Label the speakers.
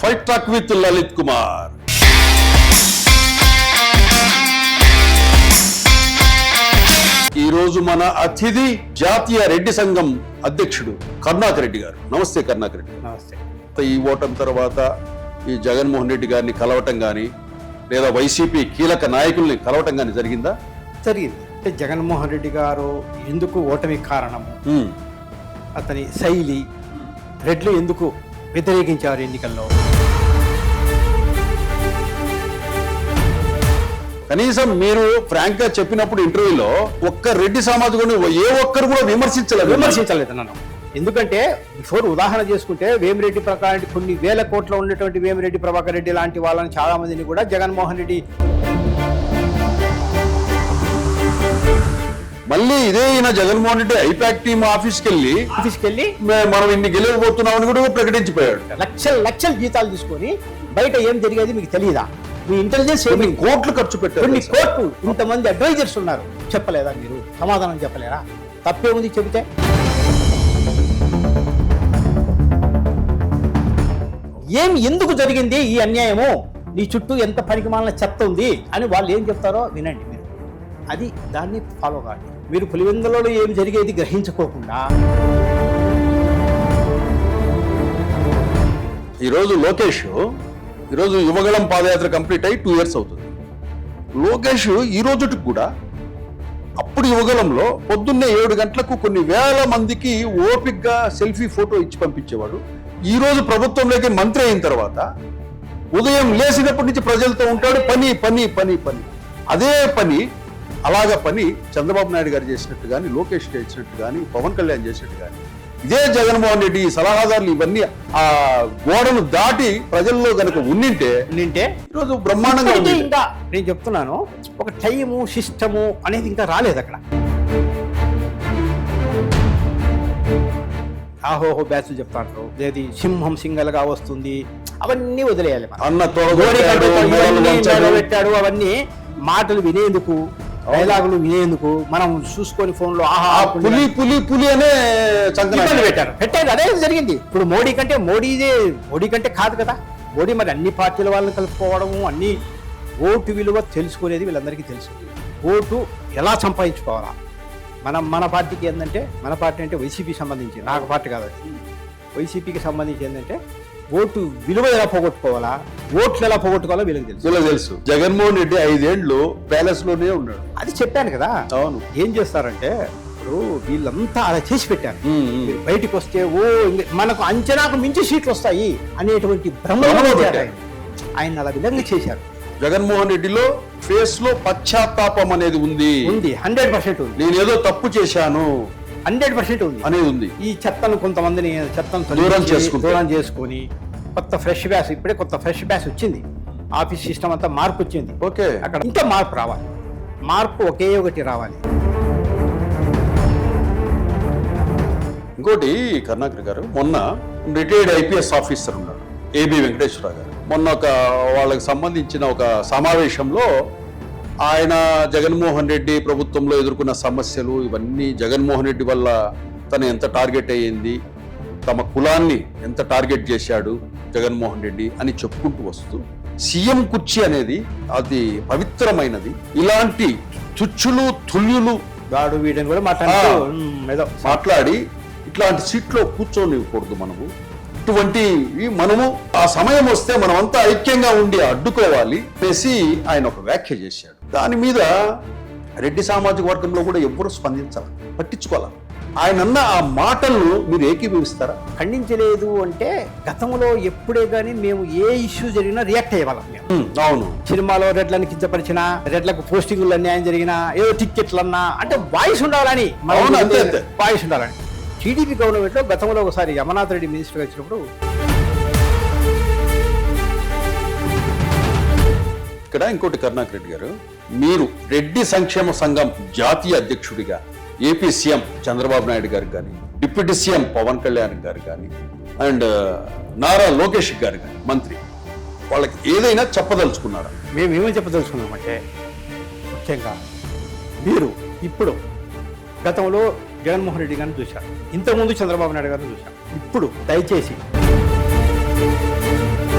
Speaker 1: Fight track with Lalit Kumar. ఈ రోజు మన అతిథి జాతీయ రెడ్డి సంఘం అధ్యక్షుడు కరుణాకర్ రెడ్డి గారు. నమస్తే కరుణాకర్ రెడ్డి.
Speaker 2: నమస్తే.
Speaker 1: ఈ ఓటమి తర్వాత ఈ జగన్మోహన్ రెడ్డి గారిని కలవటం కానీ లేదా వైసీపీ కీలక నాయకుల్ని కలవటం కానీ జరిగిందా?
Speaker 2: జరిగింది. అంటే జగన్మోహన్ రెడ్డి గారు ఎందుకు ఓటమి కారణము, అతని శైలి, రెడ్లు ఎందుకు వ్యతిరేకించారు ఎన్నికల్లో,
Speaker 1: కనీసం మీరు ఫ్రాంక్ గా చెప్పినప్పుడు ఇంటర్వ్యూలో ఒక్క రెడ్డి సామాజికుడిని ఏ ఒక్కరు కూడా
Speaker 2: విమర్శించలేదు నన్ను. ఎందుకంటే బిఫోర్ ఉదాహరణ చేసుకుంటే వేమిరెడ్డి ప్రకారం కొన్ని వేల కోట్ల ఉన్నటువంటి వేమిరెడ్డి ప్రభాకర్ రెడ్డి లాంటి వాళ్ళని చాలా మందిని కూడా జగన్మోహన్ రెడ్డి
Speaker 1: మళ్ళీ ఇదే ఈయన జగన్మోహన్ రెడ్డి ఐపాక్ టీమ్ ఆఫీస్కి వెళ్ళి మనం ఇన్ని గెలవబోతున్నామని కూడా ప్రకటించిపోయాడు.
Speaker 2: లక్షల జీతాలు తీసుకొని బయట ఏం జరిగేది మీకు తెలియదా? మీ ఇంటెలిజెన్స్
Speaker 1: కోట్లు ఖర్చు పెట్టారు.
Speaker 2: కొన్ని కోట్లు, ఇంతమంది అడ్వైజర్స్ ఉన్నారు, చెప్పలేదా మీరు? సమాధానం చెప్పలేరా? తప్పే ఉంది చెబితే. ఎందుకు జరిగింది ఈ అన్యాయము, నీ చుట్టూ ఎంత పనికిమాలిన చెత్త ఉంది అని వాళ్ళు ఏం చెప్తారో వినండి మీరు. అది దాన్ని ఫాలో కాండి. మీరు పులివెందులలో ఏం జరిగేది గ్రహించుకోకుండా
Speaker 1: ఈరోజు లోకేష్ ఈరోజు యువగళం పాదయాత్ర కంప్లీట్ అయ్యి 2 years అవుతుంది. లోకేష్ ఈ రోజుకి కూడా అప్పుడు యువగలంలో పొద్దున్నే 7 గంటలకు కొన్ని వేల మందికి ఓపిక్గా సెల్ఫీ ఫోటో ఇచ్చి పంపించేవాడు. ఈ రోజు ప్రభుత్వంలోకి మంత్రి అయిన తర్వాత ఉదయం లేచినప్పటి నుంచి ప్రజలతో ఉంటాడు. పని పని పని పని అదే పని అలాగా పని చంద్రబాబు నాయుడు గారు చేసినట్టు కానీ, లోకేష్ చేసినట్టు కానీ, పవన్ కళ్యాణ్ చేసినట్టు కానీ, ఇదే జగన్మోహన్ రెడ్డి సలహాదారులు ఇవన్నీ ఆ గోడను దాటి ప్రజల్లో కనుక ఉన్నింటే ఈరోజు బ్రహ్మాండంగా ఉంది.
Speaker 2: ఇంకా నేను చెప్తున్నాను, ఒక టైము సిస్టము అనేది ఇంకా రాలేదు అక్కడ. ఆహోహో బ్యాచ్లు చెప్తాంటారు, ఏది సింహం సింగల్గా వస్తుంది, అవన్నీ వదిలేయాలి. పెట్టాడు అవన్నీ మాటలు వినేందుకు, డైలాగులు వినేందుకు మనం చూసుకొని ఫోన్ లో
Speaker 1: పులి పులి పులి అనే
Speaker 2: పెట్టారు. అదే జరిగింది. ఇప్పుడు మోడీ కంటే కాదు కదా. మోడీ మరి అన్ని పార్టీల వాళ్ళని కలుపుకోవడము, అన్ని ఓటు విలువ తెలుసుకునేది వీళ్ళందరికీ తెలుసు. ఓటు ఎలా సంపాదించుకోవాలా. మన పార్టీకి ఏంటంటే, మన పార్టీ అంటే వైసీపీకి సంబంధించి, నాకు పార్టీ కాదు, వైసీపీకి సంబంధించి ఏంటంటే ఓటు విలువ ఎలా పోగొట్టుకోవాలా, ఓట్లు ఎలా పోగొట్టుకోవాలో వీళ్ళకి
Speaker 1: తెలుసు. జగన్మోహన్ రెడ్డి 5 ఏళ్ళు ప్యాలెస్ లోనే ఉన్నాడు.
Speaker 2: అది చెప్పాను కదా. అవును. ఏం చేస్తారంటే ఇప్పుడు వీళ్ళంతా అలా చేసి పెట్టారు. బయటికి వస్తే మనకు అంచనాకు మించి సీట్లు వస్తాయి అనేటువంటి భ్రమలో ఆయన అలా విధంగా చేశారు.
Speaker 1: జగన్మోహన్ రెడ్డిలో ఫేస్ లో పశ్చాత్తాపం అనేది ఉంది.
Speaker 2: 100% ఉంది.
Speaker 1: నేను ఏదో తప్పు చేశాను
Speaker 2: 100% ఉంది అనేది ఉంది. ఈ చెత్తను కొంతమందిని దూరం చేసుకొని కొత్త ఫ్రెష్ బ్యాచ్, ఇప్పుడే కొత్త ఫ్రెష్ బ్యాచ్ వచ్చింది. ఆఫీస్ సిస్టమ్ అంతా మార్పు వచ్చింది.
Speaker 1: ఓకే,
Speaker 2: అక్కడ ఇంకా మార్పు రావాలి. మార్పు ఒకే ఒకటి రావాలి.
Speaker 1: ఇంకోటి కరుణాకర్ గారు, మొన్న రిటైర్డ్ ఐపీఎస్ ఆఫీసర్ ఉన్నాడు ఏబి వెంకటేశ్వరరావు గారు. మొన్న వాళ్ళకి సంబంధించిన ఒక సమావేశంలో ఆయన జగన్మోహన్ రెడ్డి ప్రభుత్వంలో ఎదుర్కొన్న సమస్యలు ఇవన్నీ, జగన్మోహన్ రెడ్డి వల్ల తను ఎంత టార్గెట్ అయ్యింది, తమ కులాన్ని ఎంత టార్గెట్ చేశాడు జగన్మోహన్ రెడ్డి అని చెప్పుకుంటూ వస్తూ, సీఎం కుర్చీ అనేది అది పవిత్రమైనది, ఇలాంటి తుచ్చులు తుల్యులు
Speaker 2: గాడు వీడని కూడా
Speaker 1: మాట్లాడి ఇట్లాంటి సీట్లో కూర్చోనివ్వకూడదు. మనము ఆ సమయం వస్తే మనమంతా ఐక్యంగా ఉండి అడ్డుకోవాలి అనేసి ఆయన ఒక వ్యాఖ్య చేశాడు. దాని మీద రెడ్డి సామాజిక వర్గంలో కూడా ఎవ్వరూ స్పందించాలి, పట్టించుకోవాలి. ఆయన అన్న ఆ మాటలను మీరు ఏకీభవిస్తారా?
Speaker 2: ఖండించలేదు అంటే గతంలో ఎప్పుడే గానీ మేము ఏ ఇష్యూ జరిగినా రియాక్ట్ అయ్యేవాళ్ళం.
Speaker 1: అవును,
Speaker 2: సినిమాలో రెడ్లను కించపరిచినా, రెడ్లకు పోస్టింగులు అన్యాయం జరిగినా, ఏదో టిక్కెట్లు అన్నా అంటే వాయిస్ ఉండాలని, వాయిస్ ఉండాలని. టీడీపీ గవర్నమెంట్ లో గతంలో ఒకసారి అమర్నాథ్ రెడ్డి మినిస్టర్గా వచ్చినప్పుడు,
Speaker 1: ఇక్కడ ఇంకోటి కరుణాకర్ రెడ్డి గారు, మీరు రెడ్డి సంక్షేమ సంఘం జాతీయ అధ్యక్షుడిగా ఏపీ సీఎం చంద్రబాబు నాయుడు గారికి కానీ, డిప్యూటీ సీఎం పవన్ కళ్యాణ్ గారు కానీ, అండ్ నారా లోకేష్ గారు కానీ మంత్రి, వాళ్ళకి ఏదైనా చెప్పదలుచుకున్నారా?
Speaker 2: మేము ఏమని చెప్పదలుచుకున్నామంటే, ముఖ్యంగా మీరు ఇప్పుడు గతంలో జగన్మోహన్ రెడ్డి గారిని చూశారు, ఇంతకుముందు చంద్రబాబు నాయుడు గారిని చూశారు. ఇప్పుడు దయచేసి